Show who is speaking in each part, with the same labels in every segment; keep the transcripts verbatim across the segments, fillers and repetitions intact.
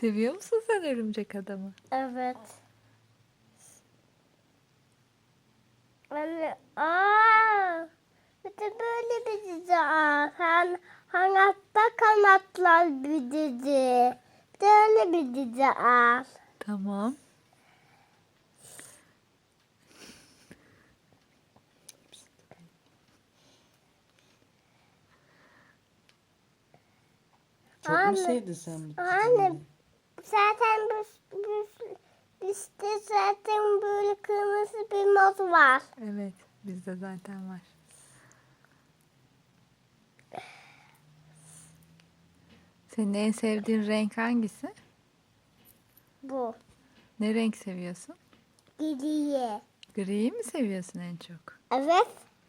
Speaker 1: Seviyor musun sen örümcek adamı?
Speaker 2: Evet. Anne, aa, bir de böyle bir dizi var. Han, Hayatta Kanatlar bir dizi. Bir de öyle bir dizi var.
Speaker 1: Tamam.
Speaker 3: Çok mu
Speaker 2: Anne,
Speaker 3: sevdin sen bu
Speaker 2: Anne,
Speaker 3: dizileri?
Speaker 2: zaten bir, bir, işte zaten böyle kırmızı bir mod var.
Speaker 1: Evet, bizde zaten var. Senin en sevdiğin renk hangisi?
Speaker 2: Bu.
Speaker 1: Ne renk seviyorsun?
Speaker 2: Gidiye.
Speaker 1: Griyi mi seviyorsun en çok?
Speaker 2: Evet.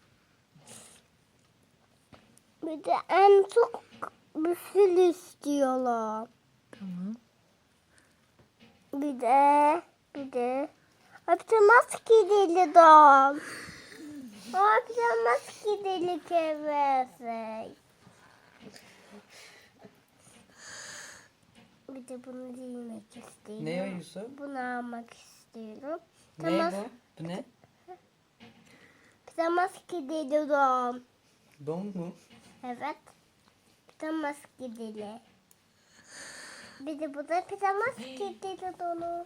Speaker 2: Bir de en çok bir fil istiyorlar.
Speaker 1: Tamam.
Speaker 2: Bir de, bir de yapacağımız gideli don. Yapacağımız gideli kevesi. Bir de bunu giymek istiyorum.
Speaker 3: Ne o Yusuf?
Speaker 2: Bunu almak istiyorum.
Speaker 3: Ne bu? Bu ne?
Speaker 2: Yapacağımız gideli don.
Speaker 3: Don mu?
Speaker 2: Evet. Yapacağımız gideli. Bir de bu da yapacağımız gideli donu.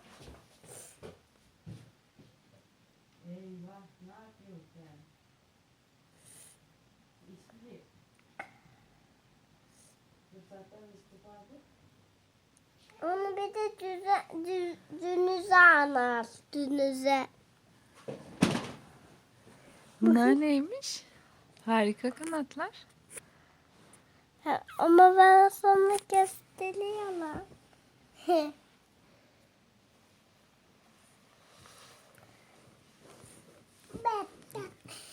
Speaker 2: Onu bir de düze, dü, dünüze anar. Dünüze.
Speaker 1: Bunlar neymiş? Harika kanatlar.
Speaker 2: Ha, ama ben sana gösteriyorum.